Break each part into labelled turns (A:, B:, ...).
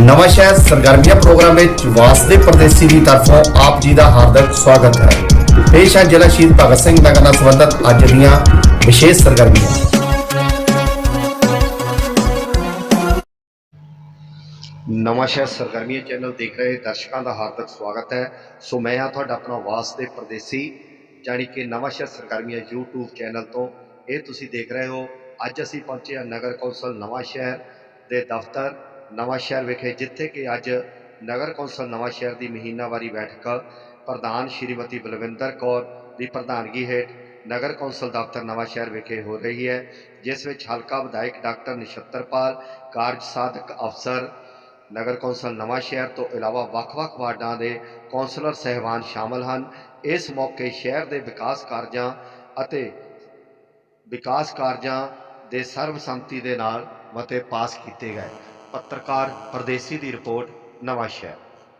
A: ਨਵਾਂਸ਼ਹਿਰ ਸਰਗਰਮੀਆਂ ਪ੍ਰੋਗਰਾਮ ਵਿੱਚ ਵਾਸਦੇ ਪਰਦੇਸੀ ਦੀ ਤਰਫੋਂ ਆਪ ਜੀ ਦਾ ਹਾਰਦਿਕ ਸਵਾਗਤ ਹੈ। ਪੇਸ਼ ਹੈ ਜ਼ਿਲ੍ਹਾ ਸ਼ਹੀਦ ਭਗਤ ਸਿੰਘ ਨਗਰ ਨਾਲ ਸੰਬੰਧਿਤ ਅੱਜ ਦੀਆਂ ਵਿਸ਼ੇਸ਼ ਸਰਗਰਮੀਆਂ। ਨਵਾਂਸ਼ਹਿਰ ਸਰਗਰਮੀਆਂ ਚੈਨਲ ਦੇਖ ਰਹੇ ਦਰਸ਼ਕਾਂ ਦਾ ਹਾਰਦਿਕ ਸਵਾਗਤ ਹੈ। ਸੋ ਮੈਂ ਹਾਂ ਤੁਹਾਡਾ ਆਪਣਾ ਵਾਸਦੇ ਪਰਦੇਸੀ, ਜਾਣੀ ਕਿ ਨਵਾਂਸ਼ਹਿਰ ਸਰਗਰਮੀਆਂ YouTube ਚੈਨਲ ਤੋਂ ਇਹ ਤੁਸੀਂ ਦੇਖ ਰਹੇ ਹੋ। ਅੱਜ ਅਸੀਂ ਪਹੁੰਚੇ ਹਾਂ ਨਗਰ ਕੌਂਸਲ ਨਵਾਂਸ਼ਹਿਰ ਦੇ ਦਫ਼ਤਰ ਨਵਾਂਸ਼ਹਿਰ ਵਿਖੇ, ਜਿੱਥੇ ਕਿ ਅੱਜ ਨਗਰ ਕੌਂਸਲ ਨਵਾਂਸ਼ਹਿਰ ਦੀ ਮਹੀਨਾਵਾਰੀ ਬੈਠਕ ਪ੍ਰਧਾਨ ਸ਼੍ਰੀਮਤੀ ਬਲਵਿੰਦਰ ਕੌਰ ਦੀ ਪ੍ਰਧਾਨਗੀ ਹੇਠ ਨਗਰ ਕੌਂਸਲ ਦਫ਼ਤਰ ਨਵਾਂਸ਼ਹਿਰ ਵਿਖੇ ਹੋ ਰਹੀ ਹੈ, ਜਿਸ ਵਿੱਚ ਹਲਕਾ ਵਿਧਾਇਕ ਡਾਕਟਰ ਨਛੱਤਰਪਾਲ, ਕਾਰਜ ਸਾਧਕ ਅਫਸਰ ਨਗਰ ਕੌਂਸਲ ਨਵਾਂਸ਼ਹਿਰ ਤੋਂ ਇਲਾਵਾ ਵੱਖ-ਵੱਖ ਵਾਰਡਾਂ ਦੇ ਕੌਂਸਲਰ ਸਹਿਬਾਨ ਸ਼ਾਮਲ ਹਨ। ਇਸ ਮੌਕੇ ਸ਼ਹਿਰ ਦੇ ਵਿਕਾਸ ਕਾਰਜਾਂ ਦੇ ਸਰਬਸੰਮਤੀ ਦੇ ਨਾਲ ਮਤੇ ਪਾਸ ਕੀਤੇ ਗਏ। ਪੱਤਰਕਾਰ ਪਰਦੇਸੀ ਦੀ ਰਿਪੋਰਟ ਨਵਾਂਸ਼ਹਿਰ।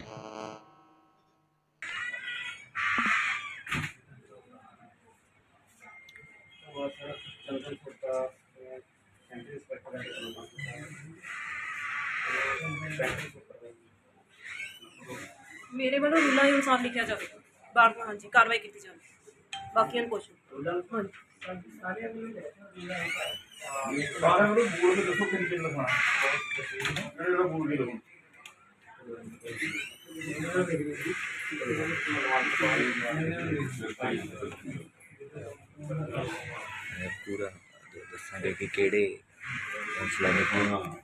B: मेरे वालों रूलों के अनुसार लिखा जाए, बार हाँ जी कार्रवाई की जाए। बाकी कुछ
C: पूरा दसांगे कि केड़े कौंसलर ने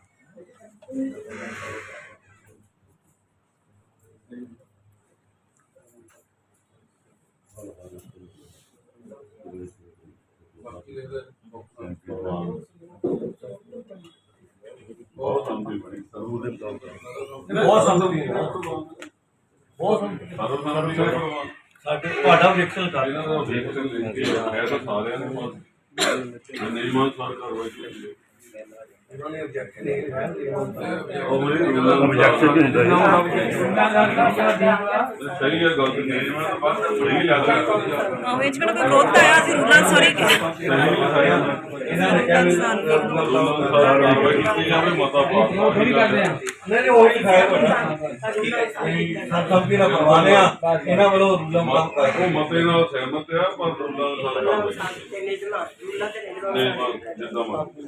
D: ਤੁਹਾਡਾ ਵੇਖਣ ਕਰ ਇਹਨਾਂ ਦਾ ਵੇਖਣ ਲੈ ਕੇ ਮੈਂ ਤਾਂ ਸਾਰਿਆਂ ਨੂੰ ਨਹੀਂ ਮਾਨ ਸਾਰ ਕਰਵਾਈ ਉਹਨਾਂ ਨੇ ਆਬਜੈਕਸ਼ਨ ਨਹੀਂ ਹੈ ਉਹ ਮੇਰੇ ਆਬਜੈਕਸ਼ਨ ਨਹੀਂ ਹੁੰਦਾ ਸਹੀ ਹੈ ਗੱਲ ਨਹੀਂ ਮੈਂ ਬਸ ਸਹੀ ਲੱਗਦਾ
B: ਹਾਂ ਵਿੱਚ ਮੈਨੂੰ ਕੋਈ ਵਿਰੋਧ ਆਇਆ ਸੀ ਰੂਲਾਂ ਸੌਰੀ ਇਹਨਾਂ ਨੇ ਕਿਹਾ
D: ਮਤਾ ਪਾਸ
E: ਥੋੜੀ ਕਰਦੇ ਆ ਨਹੀਂ ਉਹ ਹੀ ਖਾਇਆ ਸਭ ਕੀ ਨਾ ਕਰਵਾ ਲਿਆ ਇਹਨਾਂ ਵੱਲੋਂ ਰੂਲਾਂ ਕੰਮ ਕਰ
D: ਉਹ ਮਤੇ ਨਾਲ ਸਹਿਮਤ ਆ ਪਰ ਰੂਲਾਂ ਨਾਲ ਜਿੱਦਾਂ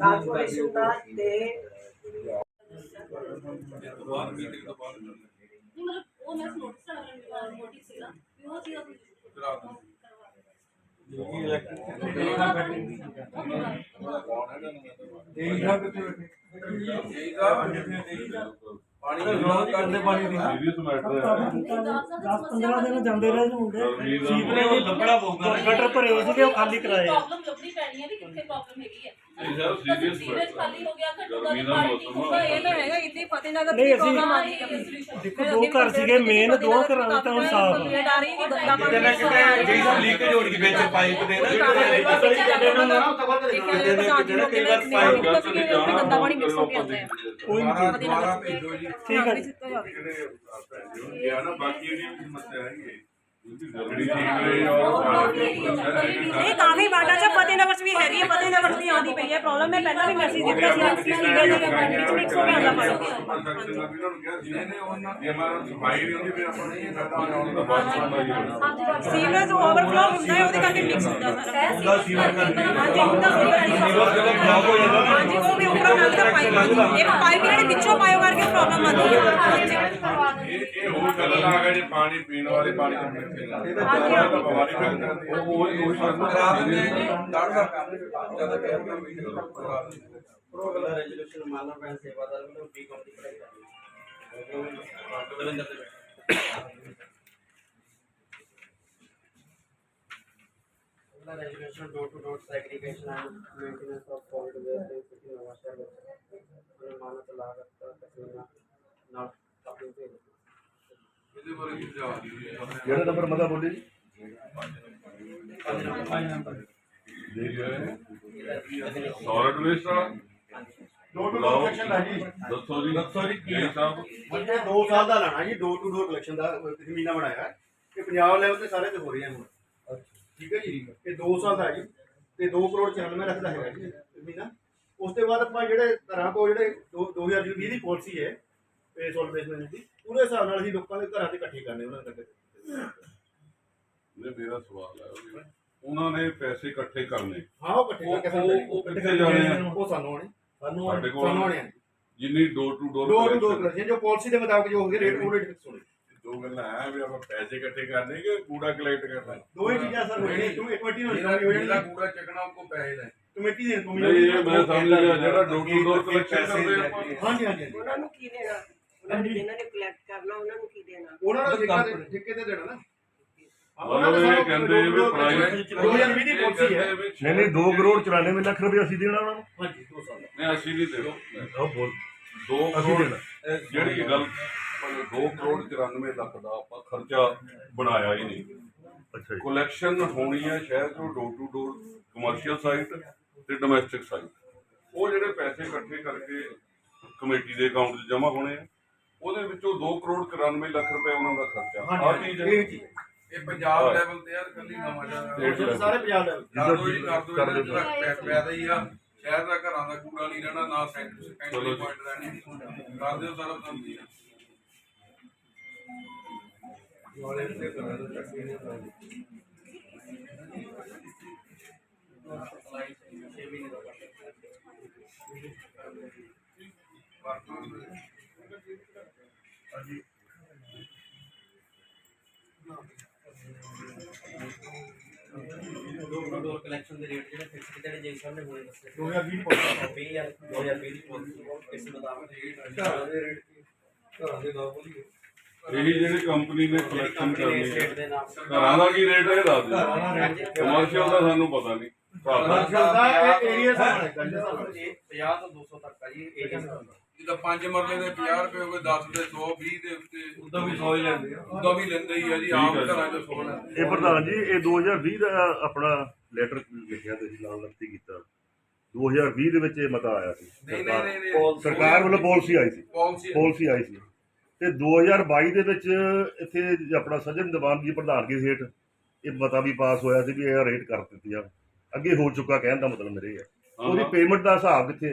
E: ਪਾਣੀ ਕਰਦੇ ਪਾਣੀ ਦੀ
D: ਸੀਰੀਅਸ ਮੈਟਰ ਹੈ
F: 10-15 ਦਿਨ ਜਾਂਦੇ ਰਹੇ ਹੁੰਦੇ
E: ਸੀਵਰੇਜ ਲੱਭਣਾ ਪਊਗਾ
F: ਗਟਰ ਭਰੇ ਹੋਏ ਸੀਗੇ ਉਹ ਖਾਲੀ ਕਰਾਏ ਆ।
B: ਪ੍ਰੋਬਲਮ ਲੱਭਣੀ ਪੈਣੀ ਹੈ ਵੀ ਕਿੱਥੇ ਪ੍ਰੋਬਲਮ ਹੈਗੀ ਹੈ।
D: ਇਹ ਸਰ ਸੀਰੀਅਸ
B: ਸੀਵਰੇਜ ਖਾਲੀ ਹੋ ਗਿਆ ਘੱਟੋ
D: ਗਰਮੀ ਦਾ ਮੌਸਮ ਆ।
B: ਇਹ ਤਾਂ ਹੈਗਾ ਇੱਥੇ ਫਤਿਹਨਗਰ
F: ਨਹੀਂ,
B: ਦੀ
F: ਅਸੀਂ
B: ਪ੍ਰੋਬਲਮ ਆ ਰਹੀ ਹੈ।
F: ਦੇਖੋ ਦੋ ਘਰ ਸੀਗੇ ਮੇਨ, ਦੋ ਘਰਾਂ ਦਾ ਤਾਂ ਹੁਣ ਸਾਫ਼ ਆ।
B: ਕੰਪਲੇਂਟ ਆ ਰਹੀ ਹੈ ਕਿ ਗੰਦਾ ਪਾਣੀ
E: ਕਿਤੇ ਨਾ ਕਿਤੇ ਜਿਹੜੀ ਲੀਕੇਜ ਹੋ ਗਈ ਵਿੱਚ ਪਾਈਪ ਦੇ ਨਾ
B: ਕਈ ਵਾਰ ਗੰਦਾ ਪਾਣੀ ਮਿਕਸ ਹੋ ਕੇ ਆਉਂਦਾ ਹੈ।
F: ਕੋਈ ਨਹੀਂ,
E: ਦੁਬਾਰਾ ਭੇਜੋ ਜੀ
F: ਠੀਕ ਹੈ।
D: ਇਹ ਨਾ ਬਾਕੀ ਜਿਹੜੀ ਸਮੱਸਿਆ ਹੈਗੀ ਜਿਹੜੀ ਸੀਵਰੇਜ ਔਰ
B: ਇਹ ਕਾਫੀ ਵਾਟਾ ਚ ਫਤਿਹਨਗਰ ਚ ਵੀ ਹੈਗੀ ਹੈ, ਫਤਿਹਨਗਰ ਚ ਵੀ ਆਉਂਦੀ ਪਈ ਹੈ ਪ੍ਰੋਬਲਮ। ਮੈਂ ਪਹਿਲਾਂ ਵੀ ਮੈਸੇਜ ਦਿੱਤਾ ਸੀ ਸੀਵਰੇਜ ਦੇ ਵਿੱਚ ਮਿਕਸ ਹੋ ਕੇ ਆਉਂਦਾ ਪਾਣੀ। ਸੀਵਰੇਜ ਓਵਰਫਲੋ ਹੁੰਦਾ ਹੈ, ਉਹਦੇ ਕਰਕੇ ਮਿਕਸ ਹੁੰਦਾ ਸਾਰਾ। ਹਾਂਜੀ ਹੁੰਦਾ ਹਾਂਜੀ ਉਹ ਵੀ ਉੱਪਰੋਂ ਨਾਲ ਦਾ ਪਾਈਪ ਇੱਕ ਪਾਈਪ ਜਿਹੜੇ ਵਿੱਚੋਂ ਪਾਇਓ ਕਰਕੇ ਪ੍ਰੋਬਲਮ ਆਉਂਦੀ ਹੈ।
D: ਇਹ ਹੋਰ ਗੱਲ ਆ ਗਿਆ ਜੇ ਪਾਣੀ ਪੀਣ ਵਾਲੇ ਪਾਣੀ ਦਾ ਬਿਮਾਰੀ ਫੈਲ ਜਾਂਦੀ ਹੈ ਉਹ
E: ਕਰਾ ਦਿੰਦੇ ਡਾਕਟਰ ਕੰਮ ਜਿਆਦਾ ਕਹਿ ਪ੍ਰੋਗਰਾਮ ਰੈਜ਼ੋਲੂਸ਼ਨ ਮਾਨਵ ਬੈਂਕ ਸੇਵਾਦਾਰ ਨੂੰ ਵੀ ਕੰਪਨੀ ਕਰਾਈ resolution door to door segregation and maintenance of solid waste in city Nawanshahr मानक लागत का तकरीबन नॉट अपने पे
D: ਇਹਦੇ ਬਾਰੇ ਕੀ ਜਵਾਬ ਦਿਓ
A: ਕਿਹੜਾ ਨੰਬਰ ਮਤਾ ਬੋਲੇ ਜੀ?
D: ਸੌਲਿਡ ਵੇਸਟ ਵਾਲਾ
E: डोर टू डोर कलेक्शन है जी
D: ਦੱਸੋ ਜੀ ਕੀ ਸਾਹਿਬ
E: मतलब 2 साल ਦਾ ਲਾਣਾ ਜੀ ਡੋਰ ਟੂ ਡੋਰ ਕਲੈਕਸ਼ਨ ਦਾ ਮਹੀਨਾ ਬਣਾਇਆ ਹੈ ਕਿ ਪੰਜਾਬ ਲੈਵਲ ਤੇ ਸਾਰੇ ਤੇ ਹੋ ਰਹੀਆਂ ਹੁਣ ਠੀਕ ਹੈ ਜੀ ਇਹ 2 ਸਾਲ ਦਾ ਹੈ ਜੀ ਤੇ 2 ਕਰੋੜ 94 ਲੱਖ ਦਾ ਹੈਗਾ ਜੀ ਮਹੀਨਾ। ਉਸ ਤੋਂ ਬਾਅਦ ਆਪਾਂ ਜਿਹੜੇ ਘਰਾਂ ਕੋਲ ਜਿਹੜੇ 2020 ਦੀ ਪਾਲਿਸੀ ਹੈ ਪੇ ਸੋਲ ਬੇਸਮੈਂਟ ਦੀ ਉਹਦੇ ਹਿਸਾਬ ਨਾਲ ਅਸੀਂ ਲੋਕਾਂ ਦੇ ਘਰਾਂ ਤੇ ਇਕੱਠੇ ਕਰਨੇ ਉਹਨਾਂ ਦੇ
D: ਨੇ ਮੇਰਾ ਸਵਾਲ ਹੈ ਉਹਨਾਂ ਨੇ ਪੈਸੇ ਇਕੱਠੇ ਕਰਨੇ
E: ਹਾਂ ਉਹ ਇਕੱਠੇ ਕਰਕੇ ਸਾਨੂੰ
D: ਉਹ ਕਿੱਥੇ ਜਾਣੇ ਆ
E: ਉਹ ਸਾਨੂੰ ਆਣੇ
D: ਸਾਡੇ
E: ਸਾਨੂੰ
D: ਕੋਲ
E: ਆਣੇ
D: ਜਿੰਨੀ ਡੋਰ ਟੂ
E: ਦੋ ਟੂ ਦੋ
D: ਡੋਰ
E: ਕਲੈਕਸ਼ਨ ਜੋ ਪਾਲਿਸੀ ਦੇ ਮੁਤਾਬਕ ਜੋ ਹੋਗੇ ਰੇਟ ਉਹ ਰੇਟ ਫਿਕਸ ਹੋਣੇ
D: ਦੋ ਗੱਲਾਂ ਹੈ ਵੀ ਆਪਾਂ ਪੈਸੇ ਇਕੱਠੇ ਕਰਨੇ ਕਿ ਕੂੜਾ ਕਲੈਕਟ ਕਰਨਾ
E: ਦੋ ਹੀ ਚੀਜ਼ਾਂ ਸਰ ਹੋਣੀ ਤੂੰ ਇੱਕ ਵਾਰੀ ਹੋ ਜਾਣੀ
G: ਕੂੜਾ ਚੱਕਣਾ ਉਹ ਪੈਸੇ ਲੈ
E: ਕਮੇਟੀ ਦੇ
D: ਨਹੀਂ ਇਹ ਮੈਂ ਸਮਝ ਗਿਆ ਜਿਹੜਾ ਡੋਰ ਟੂ ਡੋਰ ਕਲੈਕਸ਼ਨ ਕਰਦੇ ਆਪਾਂ
E: ਹਾਂਜੀ ਹਾਂਜੀ
B: ਉਹਨਾਂ ਨੂੰ ਕੀ ਦੇਣਾ ਉਹਨਾਂ ਨੇ ਜਿਹਨਾਂ ਨੇ ਕਲੈਕਟ ਕਰਨਾ ਉਹਨਾਂ ਨੂੰ ਕੀ ਦੇਣਾ
E: ਉਹਨਾਂ ਨੂੰ ਠੇਕੇ ਤੇ ਦੇਣਾ ਨਾ
D: ਮਤਲਬ ਇਹ ਕਹਿੰਦੇ ਵੀ ਪ੍ਰਾਈਵੇਟ
E: 2020 ਦੀ ਪਾਲਿਸੀ ਹੈ
F: ਨਹੀਂ ਨਹੀਂ 2 ਕਰੋੜ 94 ਲੱਖ ਰੁਪਏ ਅਸੀਂ ਦੇਣਾ ਉਹਨਾਂ ਨੂੰ।
E: ਹਾਂਜੀ 2 ਸਾਲ
D: ਨਹੀਂ ਅਸੀਂ ਨਹੀਂ ਦੇਣਾ
F: ਉਹ ਬੋਲ
D: 2
F: ਅਸੀਂ
D: ਕਰੋੜ
F: ਦੇਣਾ।
D: ਜਿਹੜੀ ਗੱਲ 2 ਕਰੋੜ 94 ਲੱਖ ਦਾ ਆਪਾਂ ਖਰਚਾ ਬਣਾਇਆ ਹੀ ਨਹੀਂ
F: ਅੱਛਾ ਜੀ।
D: ਕਲੈਕਸ਼ਨ ਹੋਣੀ ਹੈ ਸ਼ਹਿਰ ਤੋਂ door to door commercial site ਤੇ ਡੋਮੈਸਟਿਕ ਸਾਈਟ ਉਹ ਜਿਹੜੇ ਪੈਸੇ ਇਕੱਠੇ ਕਰਕੇ ਕਮੇਟੀ ਦੇ ਅਕਾਊਂਟ 'ਚ ਜਮ੍ਹਾਂ ਹੋਣੇ ਆ ਉਹਦੇ ਵਿੱਚੋਂ 2 ਕਰੋੜ 94 ਲੱਖ ਰੁਪਏ ਉਹਨਾਂ ਦਾ ਖਰਚਾ ਆਹ ਚੀਜ਼ ਹੈ
G: ਇਹ ਪੰਜਾਬ ਲੈਵਲ ਤੇ ਆ ਕੱਲੀ ਨਵਾਂ ਜਿਹਾ
E: ਸਾਰੇ ਪੰਜਾਬ ਲੈਵਲ
G: ਕਰ ਦੋ ਜੀ ਕਰ ਦੋ ਪੈਦਾ ਹੀ ਆ ਸ਼ਹਿਰ ਦਾ ਘਰਾਂ ਦਾ ਕੂੜਾ ਨਹੀਂ ਰਹਿਣਾ ਨਾ ਸੈਂਟਰੀ ਪੁਆਇੰਟ ਰਹਿਣੀ ਕਰ ਦਿਓ ਸਾਰਾ ਕੰਮ ਜੀ
H: ਡੋਰ ਕਲੈਕਸ਼ਨ ਦੇ ਰੇਟ ਜਿਹੜੇ ਫਿਕਸ ਕੀਤੇ ਨੇ ਜੇਈ ਸਾਹਿਬ ਨੇ ਹੋਏ ਦੱਸੇ
E: 2020
H: 2020 ਦੀ ਪਾਲਿਸੀ ਇਸ ਮੁਤਾਬਕ ਘਰਾਂ ਦੇ ਨਾਮ ਬੋਲੀ
D: ਇਹੀ ਜਿਹੜੀ ਕੰਪਨੀ ਨੇ ਕਲੈਕਸ਼ਨ ਕਰਨੀ ਹੈ
H: ਸਟੇਟ ਦੇ ਨਾਮ
D: ਘਰਾਂ ਦਾ ਕੀ ਰੇਟ ਹੈ ਦੱਸ ਦਿਓ ਕਮਰਸ਼ੀਅਲ ਦਾ ਸਾਨੂੰ ਪਤਾ ਨਹੀਂ
E: ਦਾ ਏਰੀਆ ਸਾਰਾ
H: 50 ਤੋਂ 200 ਤੱਕ ਆ ਜੀ ਏਰੀਆ
G: ਜਿੱਦਾਂ 5 ਮਰਲੇ ਦੇ 50 ਰੁਪਏ ਹੋ ਗਏ 10 ਦੇ 100 20 ਦੇ ਉੱਤੇ ਉਦੋਂ ਵੀ 100 ਹੀ ਲੈਂਦੇ ਆ ਉਦੋਂ ਵੀ ਲੈਂਦੇ ਹੀ ਆ ਜੀ ਆਮ ਘਰਾਂ 'ਚ 100 ਲੈਂਦੇ
F: ਇਹ ਪ੍ਰਧਾਨ ਜੀ ਇਹ 2020 ਦਾ ਆਪਣਾ ਲੈਟਰ ਲਿਖਿਆ ਤੇ ਜੀ ਨਾਲ ਨਕਤੀ ਕੀਤਾ 2020 ਦੇ ਵਿੱਚ ਇਹ ਮਤਾ ਆਇਆ ਸੀ
G: ਨਹੀਂ
F: ਸਰਕਾਰ ਵੱਲੋਂ ਪਾਲਿਸੀ ਆਈ ਸੀ
G: ਪਾਲਿਸੀ
F: ਪਾਲਿਸੀ ਆਈ ਸੀ ਤੇ 2022 ਦੇ ਵਿੱਚ ਇੱਥੇ ਆਪਣਾ ਸੱਜਣ ਦੀਵਾਨ ਦੀ ਪ੍ਰਧਾਨਗੀ ਹੇਠ ਇਹ ਮਤਾ ਵੀ ਪਾਸ ਹੋਇਆ ਸੀ ਵੀ ਇਹ ਰੇਟ ਕਰ ਦਿੱਤੀ ਆ ਅੱਗੇ ਹੋ ਚੁੱਕਾ ਕਹਿਣ ਦਾ ਮਤਲਬ ਮੇਰੇ ਹੈ ਉਹਦੀ ਪੇਮੈਂਟ ਦਾ ਹਿਸਾਬ ਕਿੱਥੇ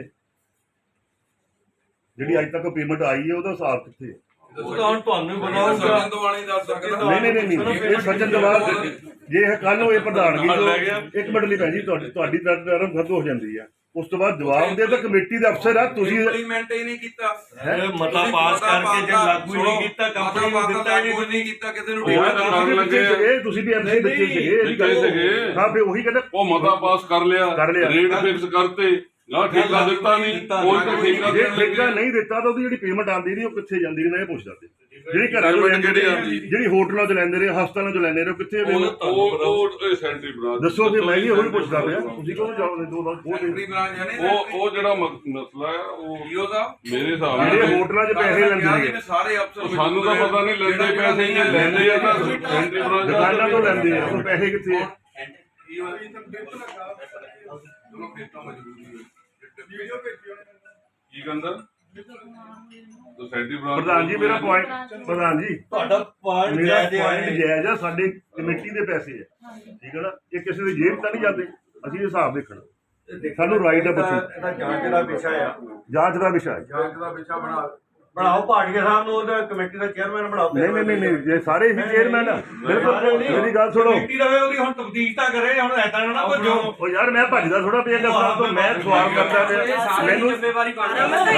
F: ਜਿਹੜੀ ਅੱਜ ਤੱਕ ਪੇਮੈਂਟ ਆਈ ਹੈ ਉਹਦਾ ਹਿਸਾਬ ਕਿੱਥੇ ਹੈ?
G: ਉਹ ਤਾਂ ਹੁਣ ਤੁਹਾਨੂੰ ਬਣਾਉਂਗਾ ਸੱਜਣ ਦਵਾਨੀ ਦੱਸ ਸਕਦਾ
F: ਨਹੀਂ ਇਹ ਸੱਜਣ ਦੀਵਾਨ ਜੇ ਇਹ ਕੱਲ ਨੂੰ ਇਹ ਪ੍ਰਧਾਨਗੀ ਜੋ ਇੱਕ ਮਿੰਟ ਲਈ ਭੈਣ ਜੀ ਤੁਹਾਡੀ ਟਰਮ ਖਤਮ ਹੋ ਜਾਂਦੀ ਆ ਉਸ ਤੋਂ ਬਾਅਦ ਜਵਾਬ ਦੇ ਤਾਂ ਕਮੇਟੀ ਦੇ ਅਫਸਰ ਆ ਤੁਸੀਂ
G: ਇੰਪਲੀਮੈਂਟ ਹੀ ਨਹੀਂ ਕੀਤਾ
F: ਮਤਾ
G: ਪਾਸ ਕਰਕੇ ਜੇ ਲਾਗੂ ਹੀ ਨਹੀਂ ਕੀਤਾ ਕੰਪਨੀ ਨੂੰ ਦਿੱਤਾ ਹੀ ਨਹੀਂ ਕੀਤਾ ਕਿਸੇ ਨੂੰ
F: ਇਹ ਤੁਸੀਂ ਵੀ ਐਮਸੀ ਬੱਚੇ ਸੀਗੇ ਇਹਦੀ ਗੱਲ ਹਾਂ ਫੇ ਉਹੀ ਕਹਿੰਦਾ
D: ਉਹ ਮਤਾ ਪਾਸ ਕਰ ਲਿਆ ਰੇਟ ਫਿਕਸ ਕਰਤੇ ਨਾ ਠੇਕਾ ਦਿੱਤਾ ਨਹੀਂ ਕੋਈ ਤਾਂ ਠੇਕਾ
F: ਜੇ ਠੇਕਾ ਨਹੀਂ ਦਿੱਤਾ ਤਾਂ ਉਹਦੀ ਜਿਹੜੀ ਪੇਮੈਂਟ ਆਉਂਦੀ ਨਹੀਂ ਉਹ ਕਿੱਥੇ ਜਾਂਦੀ ਨੇ ਮੈਂ ਇਹ ਪੁੱਛਦਾ ਤੇ ਜਿਹੜੀ ਘਰਾਂ ਚੋਂ ਲੈਂਦੇ ਨੇ ਜਿਹੜੀ ਹੋਟਲਾਂ 'ਚ ਲੈਂਦੇ ਨੇ ਹਸਪਤਾਲਾਂ 'ਚ ਲੈਂਦੇ ਨੇ ਉਹ ਕਿੱਥੇ
D: ਉਹ ਸੈਂਟਰੀ ਬ੍ਰਾਂਚ
F: ਦੱਸੋ ਤੇ ਮੈਂ ਵੀ ਉਹੀ ਪੁੱਛਦਾ ਪਿਆ ਤੁਸੀਂ ਕਿਉਂ ਜਾਓਗੇ ਦੋ ਵਾਰ
G: ਸੈਕਟਰੀ ਬ੍ਰਾਂਚ ਹੈ ਨੇ
D: ਉਹ ਜਿਹੜਾ ਮਸਲਾ ਹੈ ਉਹ
G: ਈਓ ਦਾ
D: ਮੇਰੇ ਹਿਸਾਬ ਨਾਲ
F: ਜਿਹੜੇ ਹੋਟਲਾਂ 'ਚ ਪੈਸੇ ਲੈਂਦੇ ਨੇ
G: ਸਾਰੇ ਅਫਸਰ
D: ਸਾਨੂੰ ਤਾਂ ਪਤਾ ਨਹੀਂ ਲੈਂਦੇ ਪੈਸੇ ਜੇ ਲੈਂਦੇ ਆ ਤਾਂ ਸੈਂਟਰੀ ਬ੍ਰਾਂਚ
F: ਦੁਕਾਨਾਂ ਤੋਂ ਲੈਂਦੇ ਆ ਉਹ ਪੈਸੇ ਕਿੱਥੇ ਆ
G: ਈਓ ਦੀ ਤਾਂ ਬਿੱਟ ਲੱਗਾ ਚਲੋ ਫਿਰ ਤਾਂ ਮਜਬੂਰੀ ਹੈ ਵੀਡੀਓ ਭੇਜਿਓ
D: ਕੀ ਕਹਿੰਦਾ ਸੈਂਟਰੀ ਬ੍ਰਾਂਚ
F: ਪ੍ਰਧਾਨ ਜੀ ਮੇਰਾ ਪੁਆਇੰਟ ਪ੍ਰਧਾਨ ਜੀ
H: ਤੁਹਾਡਾ ਪੁਆਇੰਟ
F: ਮੇਰਾ ਪੁਆਇੰਟ ਜਾਇਜ਼ ਆ ਸਾਡੇ ਕਮੇਟੀ ਦੇ ਪੈਸੇ ਆ ਠੀਕ ਹੈ ਨਾ ਇਹ ਕਿਸੇ ਦੀ ਜੇਬ ਤਾਂ ਨਹੀਂ ਜਾਂਦੇ ਅਸੀਂ ਹਿਸਾਬ ਦੇਖਣਾ ਸਾਨੂੰ ਰਾਈਟ ਹੈ ਬੱਚੇ
E: ਇਹਦਾ ਜਾਂਚ ਦਾ ਵਿਸ਼ਾ ਆ
F: ਜਾਂਚ ਦਾ ਵਿਸ਼ਾ ਹੈ
G: ਜਾਂਚ ਦਾ ਵਿਸ਼ਾ
E: ਬਣਾਓ ਭਾਟੀਆ ਸਾਹਿਬ ਨੂੰ ਉਹਦਾ ਕਮੇਟੀ ਦਾ ਚੇਅਰਮੈਨ ਬਣਾਓ
F: ਨਹੀਂ ਜੇ ਸਾਰੇ ਹੀ ਚੇਅਰਮੈਨ ਆ ਬਿਲਕੁਲ ਮੇਰੀ ਗੱਲ ਸੁਣੋ
E: ਕਮੇਟੀ ਰਵੇ ਉਹਦੀ ਹੁਣ ਤਬਦੀਲ ਤਾਂ ਕਰੇ ਹੁਣ ਐਦਾਂ ਨਾ ਭੱਜੋ
F: ਉਹ ਯਾਰ ਮੈਂ ਭੱਜਦਾ ਥੋੜਾ ਪਿਆ ਗੱਲਾਂ ਤੋਂ ਮੈਂ ਸਵਾਲ ਕਰਦਾ ਪਿਆ ਮੈਨੂੰ
H: ਜ਼ਿੰਮੇਵਾਰੀ ਬਣ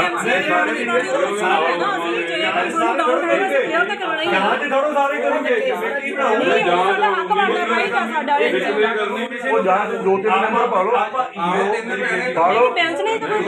E: ਜਾਂਚ ਥੋੜੋ ਸਾਰੇ ਕਰਨਗੇ ਕਮੇਟੀ
F: ਉਹ ਜਾਂਚ ਦੋ ਤਿੰਨ ਨੰਬਰ ਪਾ ਲਓ ਪਾ ਲਓ
G: ਇੱਕ